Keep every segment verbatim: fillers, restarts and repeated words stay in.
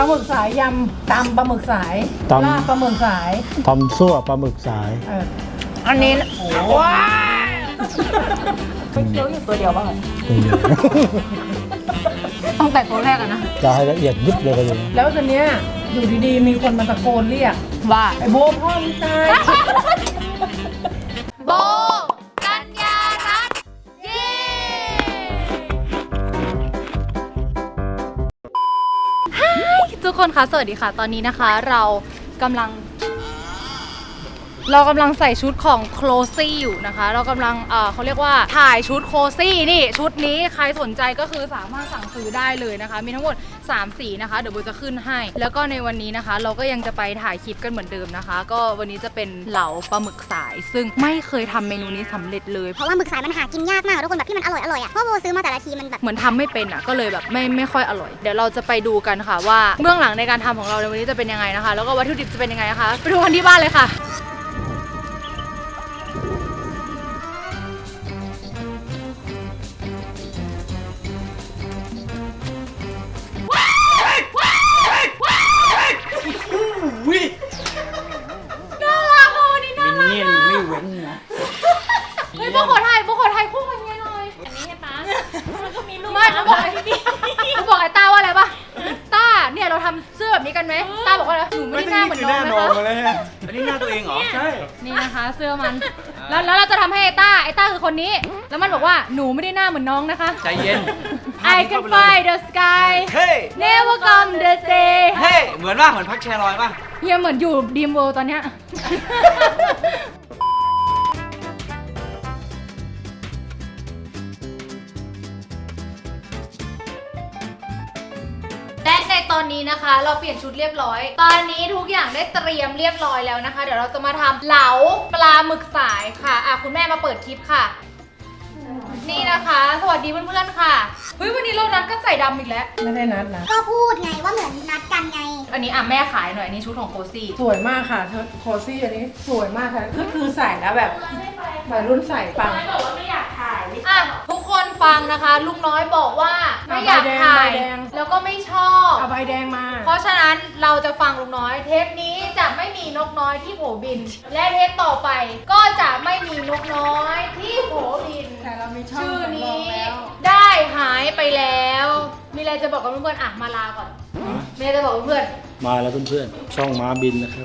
ลาหมึกสายยำตำปลาหมึกสายลาบปลาหมึกสายทำซั่วปลาหมึกสายอันนี้ว้าไม่เคี้ยวอยู่ตัวเดียวบ้างเลยตั้งแต่ตัวแรกอะนะจะให้ละเอียดยิบเลยก็ยังแล้วตอนเนี้ยอยู่ดีๆมีคนมาตะโกนเรียกว่าไอ้โบพ่อมึงตายโบกัญญารัตน์เย้ทุกคนคะสวัสดีค่ะตอนนี้นะคะเรากำลังเรากำลังใส่ชุดของโคลซี่อยู่นะคะเรากำลังเอ่อเขาเรียกว่าถ่ายชุดโคลซี่นี่ชุดนี้ใครสนใจก็คือสามารถสั่งซื้อได้เลยนะคะมีทั้งหมดสามสีนะคะเดี๋ยวโบจะขึ้นให้แล้วก็ในวันนี้นะคะเราก็ยังจะไปถ่ายคลิปกันเหมือนเดิมนะคะก็วันนี้จะเป็นเหลาปลาหมึกสายซึ่งไม่เคยทำเมนูนี้สำเร็จเลยเพราะว่าหมึกสายมันหากินยากมากทุกคนแบบที่มันอร่อยอร่อยอ่ะเพราะโบซื้อมาแต่ละทีมันแบบเหมือนทำไม่เป็นอ่ะก็เลยแบบไม่ไม่ค่อยอร่อยเดี๋ยวเราจะไปดูกันค่ะว่าเบื้องหลังในการทำของเราในวันนี้จะเป็นยังไงนะคะแล้วก็วัตถุดิบจะเป็นยังไงนะคะไปดูกันที่บ้านเลยค่ะน่ารักอ่ะวันนี้น่ารักอ่ะไม่เว้นนะเฮ้ยพวกขอถ่ายพวกขอถ่ายคู่กันยังไงหน่อยอันนี้ใช่ปะมันก็มีลูกไม่เขาบอกไอ้นี่เขาบอกไอ้ต้าว่าอะไรปะต้าเนี่ยเราทำเสื้อแบบนี้กันไหมต้าบอกว่าหนูไม่ได้หน้าเหมือนน้องนะคะอันนี้หน้าตัวเองเหรอใช่นี่นะคะเสื้อมันแล้วแล้วเราจะทำให้ไอ้ต้าไอ้ต้าคือคนนี้แล้วมันบอกว่าหนูไม่ได้หน้าเหมือนน้องนะคะใจเย็น I can fly the sky เฮ้ย never come the day เฮ้ยเหมือนว่าเหมือนพักแชร์ลอยป่ะเฮียเหมือนอยู่ดีมเวิลด์ตอนเนี้ยและในตอนนี้นะคะเราเปลี่ยนชุดเรียบร้อยตอนนี้ทุกอย่างได้เตรียมเรียบร้อยแล้วนะคะเดี๋ยวเราจะมาทำเหลาปลาหมึกสายค่ะอ่ะคุณแม่มาเปิดคลิปค่ะนี่นะคะสวัสดีเพื่อนๆค่ะเฮ้ยวันนี้เรานัดกันใส่ดำอีกแล้วไม่ได้นัดนะก็พูดไงว่าเหมือนนัดกันไงอันนี้อ่ะแม่ขายหน่อยอันนี้ชุดของโคซี่สวยมากค่ะโคซี่อันนี้สวยมากค่ะก็คือใส่แล้วแบบวัยรุ่นใส่ปังบอกว่าไม่อยากถ่ายอ่ะทุกคนฟังนะคะลุงน้อยบอกว่าไม่อยากถ่ายแล้วก็ไม่ชอบเอาใบแดงมาเพราะฉะนั้นเราจะฟังลุงน้อยเทปนี้จะไม่มีนกน้อยที่โผบินและเทปต่อไปก็จะไม่มีนกน้อยที่โผบินแต่เรามีชื่อนี้ได้หายไปแล้วมีอะไรจะบอกกับเพื่อนๆอ่ะมาลาก่อนมีอะไรจะบอกเพื่อนมาแล้วเพื่อนๆช่องม้าบินนะครับ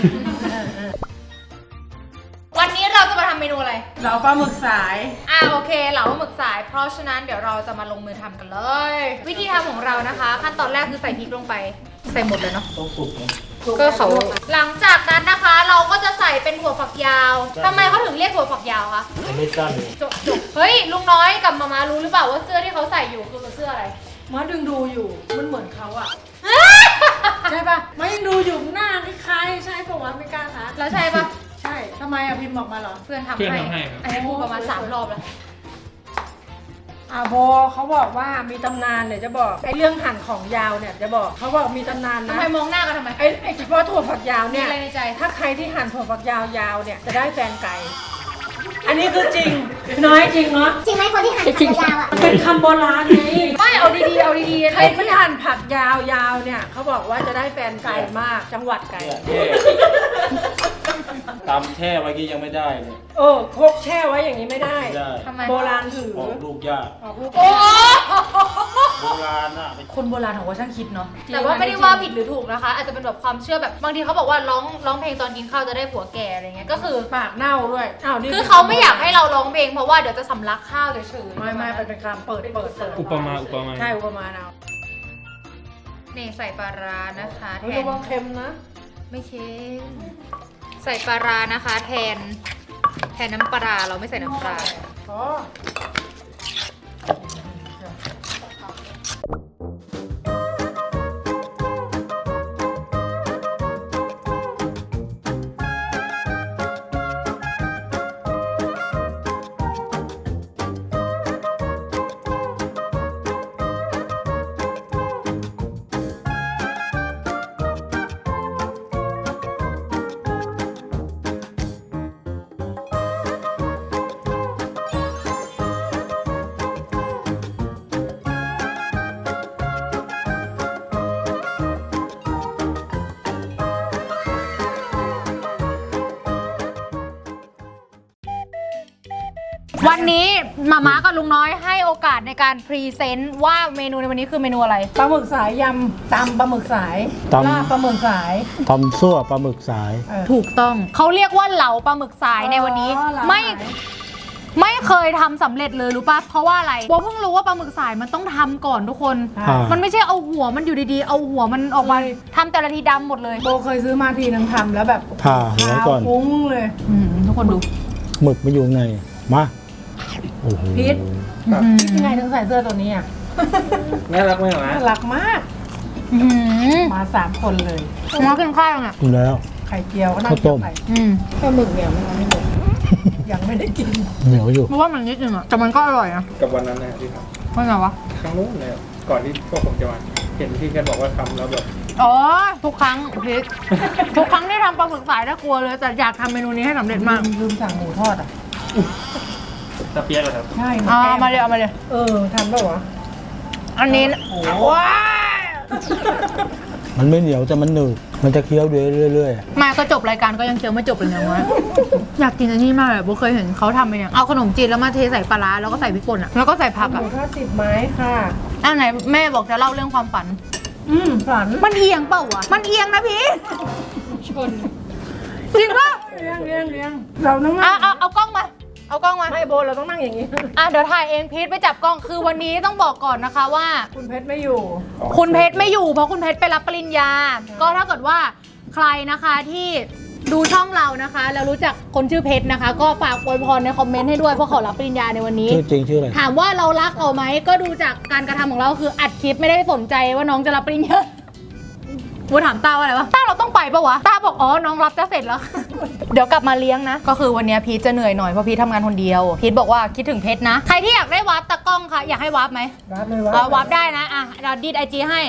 วันนี้เราจะมาทำเมนูอะไรเหลาปลาหมึกสายอ่ะโอเคเหลาปลาหมึกสายเพราะฉะนั้นเดี๋ยวเราจะมาลงมือทำกันเลย วิธีทำของเรานะคะขั้นตอนแรกคือใส่พริกลงไปใส่หมดเลยเนาะต้องสุกนะก็เขาหลังจากนั้นนะคะเราก็จะใส่เป็นถั่วฝักยาวทำไมเขาถึงเรียกถั่วฝักยาวคะไม่สั้นจบจบเฮ้ยลุงน้อยกับมามารู้หรือเปล่าว่าเสื้อที่เขาใส่อยู่คือเสื้ออะไรมาดึงดูอยู่มันเหมือนเขาอะใช่ปะมายังดูอยู่หน้าคล้ายๆใช่ปะวะไม่กล้าทักแล้วใช่ปะใช่ทำไมอะพิมพ์บอกมาเหรอเพื่อนทำให้ไอ้พูดประมาณสามรอบแล้วอาโบเขาบอกว่ามีตำนานเนี่ยจะบอกไอ้เรื่องหั่นของยาวเนี่ยจะบอกเขาบอกมีตำนานนะทำไมมองหน้ากันทำไมไอ้ไอ้เฉพาะถั่วฝักยาวเนี่ยอะไรในใจถ้าใครที่หั่นถั่วฝักยาวยาวเนี่ยจะได้แฟนไก่อันนี้คือจริงน้อยจริงเนาะจริงไหมคนที่หั่นผักยาวอ่ะมันเป็นคำโบราณไงไม่เอาดีๆเอาดีๆใครที่หั่นผักยาวๆเนี่ยเขาบอกว่าจะได้แฟนไก่มากจังหวัดไก่ตำแช่ไว้กี้ยังไม่ได้เลยเออคกแช่ไว้อย่างนี้ไม่ได้ทำไมโบราณถือออกลูกยากออกลูกโบราณอะคนโบราณของว่าช่างคิดเนาะแต่ว่าไม่ได้ว่าผิดหรือถูกนะคะอาจจะเป็นแบบความเชื่อแบบบางทีเขาบอกว่าร้องร้องเพลงตอนกินข้าวจะได้ผัวแก่อะไรเงี้ยก็คือปากเน่าด้วยอ้าวนี่คือเขาไม่อยากให้เราร้องเพลงเพราะว่าเดี๋ยวจะสำลักข้าวเฉยๆไม่ไม่เป็นคำเปิดเปิดเปิดอุปมาอุปมาใช่อุปมาเอานี่ใส่ปลาร้านะคะแทนระวังเค็มนะไม่เค็มใส่ปลาร้านะคะแทนแทนน้ำปลาเราไม่ใส่น้ำปลาอ๋อวันนี้มาม่ากับลุงน้อยให้โอกาสในการพรีเซนต์ว่าเมนูในวันนี้คือเมนูอะไรปลาหมึกสายยำตำปลาหมึกสายตำลาบปลาหมึกสายทำซั่วปลาหมึกสายเออถูกต้องเขาเรียกว่าเหลาปลาหมึกสายในวันนี้อ๋อเหลาไม่สายไม่เคยทำสำเร็จเลยรู้ป่ะเพราะว่าอะไรโบเพิ่งรู้ว่าปลาหมึกสายมันต้องทำก่อนทุกคนอ่ามันไม่ใช่เอาหัวมันอยู่ดีๆ เอาหัวมันออกมาทำแต่ละทีดำหมดเลยโบเคยซื้อมาทีนึงทำแล้วแบบผ่าหัวก่อนขาวฟุ้งเลยอืมทุกคนดูหมึกมาอยู่ในมาโอ้โหพิษอืมยังไงถึงใส่เสื้อตัวนี้อ่ะน่ารักไหมหรอน่ารักมากอืมมาสามคนเลยมากินข้าวยังอ่ะกินแล้วไข่เจียวก็น่าข้าวต้มไปอืมปลาหมึกเนี่ยมันยังไม่หมดยังไม่ได้กินเหนียวอยู่เพราะว่ามันนิดนึงอ่ะแต่มันก็อร่อยอ่ะกับวันนั้นนะที่ทว่าไงวะำครั้งนู้นเลยก่อนที่พวกผมจะมาเห็นที่แกบอกว่าทำแล้วแบบอ๋อทุกครั้งพีททุกครั้งที่ทำปลาหมึกสายน่ากลัวเลยแต่อยากทำเมนูนี้ให้สำเร็จมากลืมสั่งหมูทอดอ่ะตะเปียกเหรอครับใช่หอ่าแก้มาเลยเอามาเลยเออทำได้วะอันนี้โอ้ว้ามันไม่เหนียวแต่มันหนึบมันจะเคี้ยวเรื่อยๆมาก็จบรายการก็ยังเคี้ยวไม่จบเลยเนี่ยวะอยากกินอันนี้มากเลยโบเคยเห็นเขาทำไปเนี่ยเอาขนมจีนแล้วมาเทใส่ปลาร้าแล้วก็ใส่พริกป่นอ่ะแล้วก็ใส่ผักหอ่ะมูทอดสิบไม้ค่ะอันไหนแม่บอกจะเล่าเรื่องความฝันอืมฝันมันเอียงเปล่าวะมันเอียงนะพี่ชนจริงปะเลี้ยงเลี้ยงเลี้ยงเราต้องอ่ะนั่งเอาเอากล้องมาเอากล้องมาไม่โบเราต้องนั่งอย่างนี้อ่ะเดี๋ยวถ่ายเองพีทไปจับกล้องคือวันนี้ต้องบอกก่อนนะคะว่าคุณเพชรไม่อยู่คุณเพชรไม่อยู่เพราะคุณเพชรไปรับปริญญา ก็ถ้าเกิดว่าใครนะคะที่ดูช่องเรานะคะ แล้วรู้จักคนชื่อเพชรนะคะ ก็ฝากอวยพรในคอมเมนต์ให้ด้วยเพราะเขารับปริญญาในวันนี้ชื่อจริงชื่ออะไรถามว่าเรารักเขาไหมก็ดูจากการกระทำของเราคืออัดคลิปไม่ได้สนใจว่าน้องจะรับปริญญาวูถามต้าว่าอะไรวะต้าเราต้องไปปะวะต้าบอกอ๋อน้องรับจะเสร็จแล้ว เดี๋ยวกลับมาเลี้ยงนะ ก็คือวันนี้พีทจะเหนื่อยหน่อยเพราะพีททำงานคนเดียวพีทบอกว่าคิดถึงเพชรนะใครที่อยากได้วาร์ปตะกล้องค่ะอยากให้วาร์ปไหมรับเลยวะเอาวาร์ปได้นะอ่ะเราดีดไอจีให้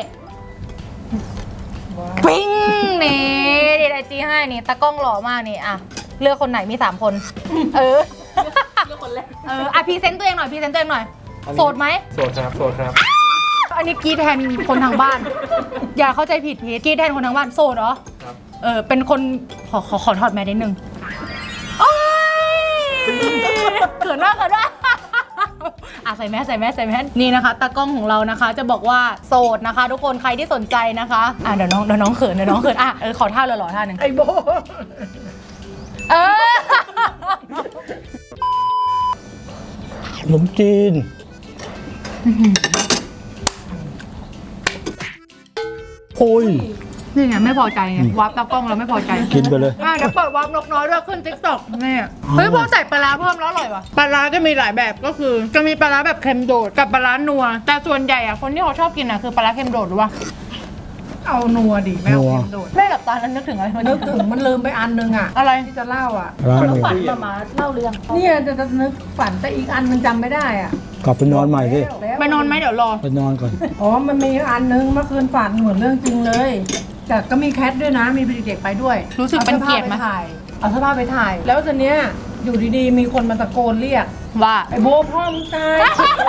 ปิ้งนี่ดีดไอจีให้นี่ตากล้องหล่อมากนี่อ่ะเลือกคนไหนมีสามคน เออเลือกคนแรกเอออ่ะพรีเซนต์ตัวเองหน่อยพรีเซนต์ตัวเองหน่อยโสดไหมโสดครับโสดครับอันนี้กรีดแทนคนทางบ้าน อย่าเข้าใจผิดพีทกรีดแทนคนทางบ้านโสดเหรอครับเออเป็นคนขอขอขอถอดแมสนิดนึงโอ๊ยเขินมากเขินมากอ่ะใส่แมสใส่แมสใส่แมสนี่นะคะตากล้องของเรานะคะ จะบอกว่าโสดนะคะ ทุกคนใครที่สนใจนะคะอ่ะเดี๋ยวน้องเดี๋ยวน้องเขินเดี๋ยวน้องเขินอ่ะเออขอท่าหล่อๆท่าหนึ่งไอโบเออขนมจีน โอ้ยนี่ไงไม่พอใจไงวาร์ปตากล้องเราไม่พอใจกินไปเลยอ่ะเดี๋ยวเปิดวาร์ปนกน้อยด้วยขึ้นติ๊กต็อกนี่เฮ้ยพอใส่ปลาร้าเพิ่มแล้วอร่อยว่ะปลาร้าจะมีหลายแบบก็คือ จะมีปลาร้าแบบเค็มโดดกับปลาร้านัว แต่ส่วนใหญ่อะคนที่เขาชอบกินอะคือปลาร้าเค็มโดดหรือว่าเอานัวดิไม่เอานัวเค็มโดดแม่กับตานั้นนึกถึงอะไรมันนึกถึงมันลืมไปอันนึงอ่ะอะไรที่จะเล่าอ่ะร้านแล้วหมูฝันมามาเล่าเรื่องเนี่ยจะจะนึกฝันแต่อีกอันมันจำไม่ได้อ่ะกลับไปนอนใหม่ดิแล้วไปนอนไหมเดี๋ยวรอไปนอนก่อนอ๋อมันมีอันนึงเมื่อคืนฝันเหมือนเรื่องจริงเลยแต่ก็มีแคทด้วยนะมีเด็กๆไปด้วยรู้สึกเป็นเกียรติไหมเอาเสื้อผ้าไปถ่ายเอาเสื้อผ้าไปถ่าย แล้วตอนเนี้ยอยู่ดีๆ มีคนมาตะโกนเรียกว่าไอ้โบพ่อมึงตาย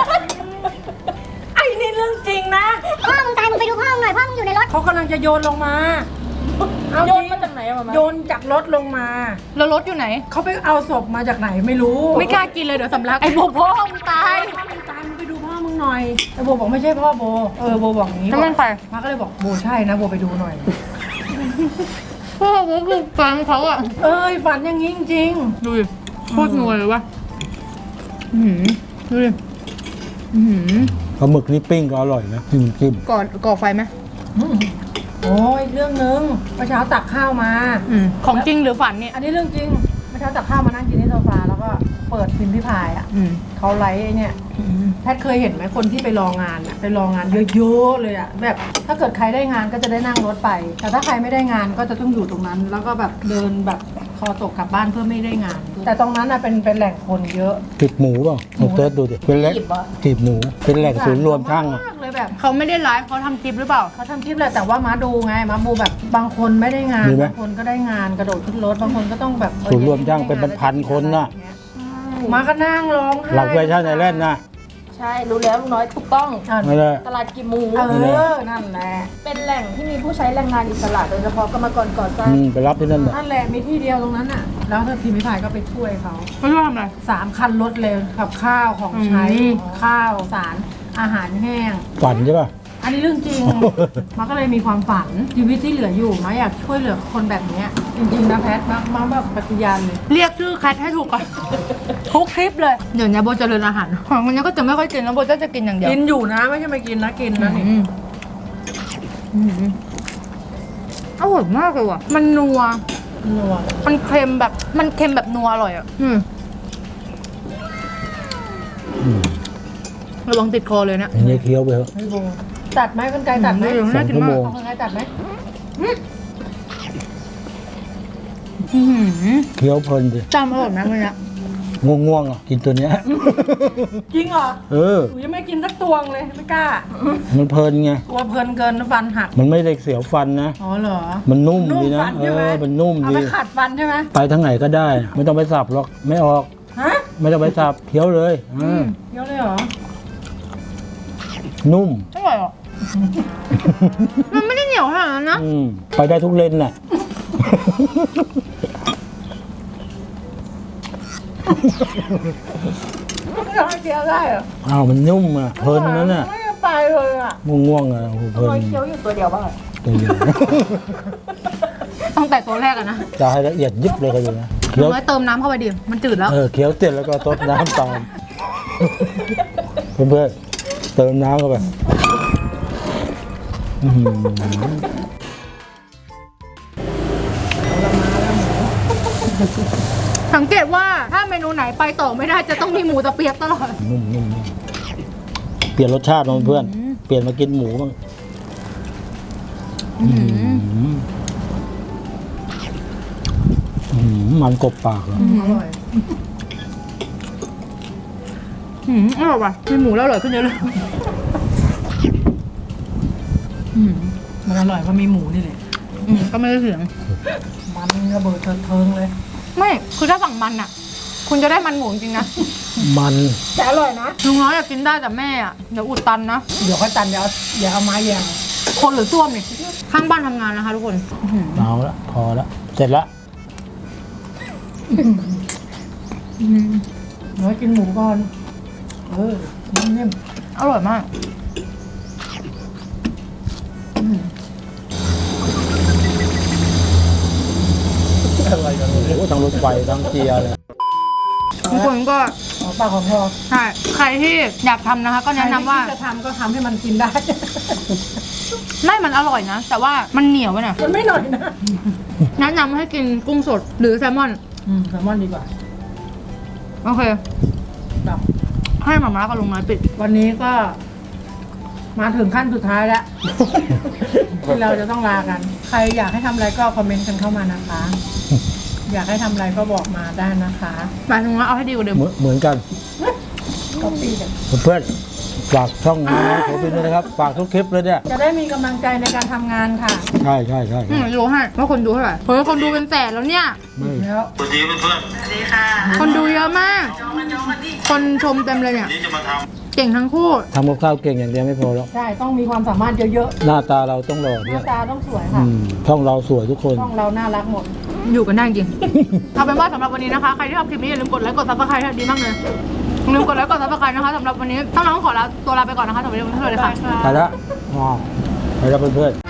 ไอ้นี่เรื่องจริงนะพ่อมึงตายมึงไปดูพ่อมึงหน่อยพ่อมึงอยู่ในรถเขากำลังจะโยนลงมาเอาโยนมาจากไหนอะมามาโยนจากรถลงมาแล้วรถอยู่ไหนเขาไปเอาศพมาจากไหนไม่รู้ไม่กล้ากินเลยเดี๋ยวสำลักไอ้โบพ่อมึงตายพ่อมึงตายมึงไปดูพ่อมึงหน่อยแต่โบบอกไม่ใช่พ่อโบเออโบบอกอย่างนี้แล้วมันใครพระก็เลยบอกโบใช่นะโบไปดูหน่อยพ่อผมคือแฟนเขาอะเอ้ยฝันอย่างนี้จริงดูดิโคตรนัวเลยวะอื้อหือดูดิอื้อหือปลาหมึกนี่ปิ้งก็อร่อยนะจิ้มจิ้มก่อนก่อไฟไหมๆอืมโอ้ยเรื่องนึงเมื่อเช้าตักข้าวมาอืมของจริงหรือฝันเนี่ยอันนี้เรื่องจริงเมื่อเช้าตักข้าวมานั่งกินที่โซฟาแล้วก็เปิดพิมพ์พิพายอ่ะอืมเขาไลฟ์ไอ้เนี่ยอืมแพทย์เคยเห็นไหมคนที่ไปรองานอะไปรองานเยอะๆเลยอะแบบถ้าเกิดใครได้งานก็จะได้นั่งรถไป แต่ถ้าใครไม่ได้งานก็จะต้องอยู่ตรงนั้น แล้วก็แบบเดินแบบคอตกกลับบ้านเพื่อไม่ได้งาน แต่ตรงนั้นอะเป็นเป็นแหล่งคนเยอะจีบหมูเปล่าลองเติร์ดดูดิเป็นแหล่งจีบเหรอจีบหมูเป็นแหล่งศูนย์รวมช่างอะมากเลยแบบเขาไม่ได้ไลฟ์เขาทำคลิปหรือเปล่าเขาทำคลิปแหละแต่ว่ามาดูไงมาดูแบบบางคนไม่ได้งานบางคนก็ได้งานกระโดดขึ้นรถบางคนก็ต้องแบบศูนย์รวมช่างเป็นพันๆคนน่ะมาก็นั่งร้องไห้หลังแฟชั่นไอแลนด์น่ะใใช่รู้แล้วลุงน้อยถูกต้องอ่ะไม่ได้ตลาดกิมหมูเออ นั่นแหละเป็นแหล่งที่มีผู้ใช้แรงงานอิสระโดยเฉพาะกรรมกรก่อสร้างอืมไปรับที่นั่นแหละนั่นแหละมีที่เดียวตรงนั้นน่ะ แล้วถ้าทีมพิพายก็ไปช่วยเขาไม่รู้ทำอะไรสามคันรถเลยกับข้าวของใช้อืมข้าวสารอาหารแห้งฝันใช่ป่ะอันนี้เรื่องจริง มาก็เลยมีความฝันชีวิตที่เหลืออยู่มาอยากช่วยเหลือคนแบบเนี้ยจริงๆนะแพทมามาแบบปฏิญาณเลยเรียกชื่อแคทให้ถูกก่อน ทุกคลิปเลย เดี๋ยวนี้โบเจริญอาหารของคนนี้ก็จะไม่ค่อยกินแล้วโบจะจะกินอย่างเดียวกินอยู่นะไม่ใช่ไม่กินนะกินนะนี่อืมอืมอร่อยมากเลยว่ะ มันนัวนัวมันเค็มแบบ มันเค็มแบบนัวอร่อยอ่ะ อืมอืมระวังติดคอเลยเนี่ยอันนี้เคี้ยวไปเถอะไม่โบตัดไหมกันไกลตัดไหมอืมสองชั่วโมงเอากันไกลตัดไหมอื้อหือเคี้ยวเพลินดิจำอร่อยมากเลยเนี่ยง่วงๆอ่ะกินตัวเนี้ยจริงเหรอเออหนูยังไม่กินสักตวงเลยไม่กล้ามันเพลินไงกลัวเพลินเกินฟันหักมันไม่ได้เสียวฟันนะอ๋อเหรอมันนุ่มดีนะฟันเอใช่ไหมอ มันนุ่มเอาดีไปขัดฟันใช่ไหมไปทางไหนก็ได้ ไม่ต้องไปสับหรอก ไม่ออกฮะไม่ต้องไปสับเคี้ยวเลยอ่าเยอะเลยเหรอนุ่มอร่อยอ่ะ มันไม่ได้เหนียวขนาดนั้นนะอืมไปได้ทุกเลนน่ะไม่ทำให้เคี้ยวได้เหรออ้าวมันนุ่มอ่ะ เพลินนั้นน่ะไม่ไปเลยอ่ะง่วงๆอ่ะโอ้โหเพลินน้อยเคี้ยวอยู่ตัวเดียวบ้างเหรอตัวเดียวตั้งแต่ตัวแรกอะนะจะให้ละเอียดยิบเลยก็อยู่นะเคี้ยวน้อยเติมน้ำเข้าไปดิ มันจืดแล้วเออเคี้ยวเสร็จแล้วก็ซดน้ำตามเพื่อนๆเติมน้ำเข้าไปอื้อหือสังเกตว่าถ้าเมนูไหนไปต่อไม่ได้จะต้องมีหมูตะเปียกตลอดนุ่มนุ่มนุ่มเปลี่ยนรสชาติมาเพื่อนเปลี่ยนมากินหมูบ้างอื้อหืออื้อหือมันกบปากเลยอร่อยอืมอร่อยว่ะมีหมูแล้วอร่อยขึ้นเยอะเลยอืมมันอร่อยเพราะมีหมูนี่แหละอืมก็ไม่ได้เสียงมันระเบิดเทิงๆเลยไม่ คือถ้าสั่งมันอะคุณจะได้มันหมูจริงๆนะมันแต่อร่อยนะลุงน้อยอยากกินได้แต่แม่อะเดี๋ยวอุดตันนะเดี๋ยวค่อยตันเดี๋ยวเอาเดี๋ยวเอาไม้แยงคนหรือส้วมนี่ข้างบ้านทำงานนะคะทุกคนอื้อหือเอาละพอละเสร็จละน้อยกินหมูก่อน เออนิ่มอร่อยมากอะไรกันโอ้โหทั้งรถไฟทั้งเกียร์เลยทุกคนก็ๆเอาปากของพอใช่ใครที่อยากทำนะคะ ก็แนะนำว่าใครที่จะทำก็ทำให้มันกินได้ไม่มันอร่อยนะ แต่ว่ามันเหนียวไปหน่อยมันไม่หน่อยนะแนะนำให้กินกุ้งสดหรือแซลมอนอืมแซลมอนดีกว่าโอเคแบบให้หมาม้ากับลุงน้อยปิดวันนี้ก็ มาถึงขั้นสุดท้ายแล้ว ที่เราจะต้องลากัน ใครอยากให้ทำอะไรก็คอมเมนต์กันเข้ามานะคะ อยากให้ทำอะไรก็บอกมาได้นะคะหมายถึงว่าเอาให้ดีกว่าเดิมเหมือนเหมือนกันก็ปีกันเพื่อนๆฝากช่องนี้นะผมเป็นด้วยนะครับ ฝากทุกคลิปเลยเนี่ยจะได้มีกำลังใจในการทำงานค่ะใช่ใช่ใช่อืมรู้ให้ว่าคนดูเท่าไหร่เฮ้ยคนดูเป็นแสนแล้วเนี่ยไม่แล้วคนดูเยอะมาก คนชมเต็มเลยเนี่ย เก่งทั้งคู่ทำกับข้าวเก่งอย่างเดียวไม่พอแล้วใช่ ต้องมีความสามารถเยอะหน้าตาเราต้องหล่อๆ หด้วน้าย ตาต้องสวยอืค่ะมช่องเราสวยทุกคนช่องเราน่ารักหมดอยู่กันได้จริง เอาเป็นว่าสำหรับวันนี้นะคะ ใครที่ชอบคลิปนี้อย่าลืมกดไลค์กดซับสไครต์ดีมากเลยอย่าลืมกดไลค์กดซับสไครต์นะคะสำหรับวันนี้ต้องน้องขอลาตัวลาไปก่อนนะคะสวัสดีทุกท่านเลยค่ะไปละอ๋อไปแล้วเพื่อนๆ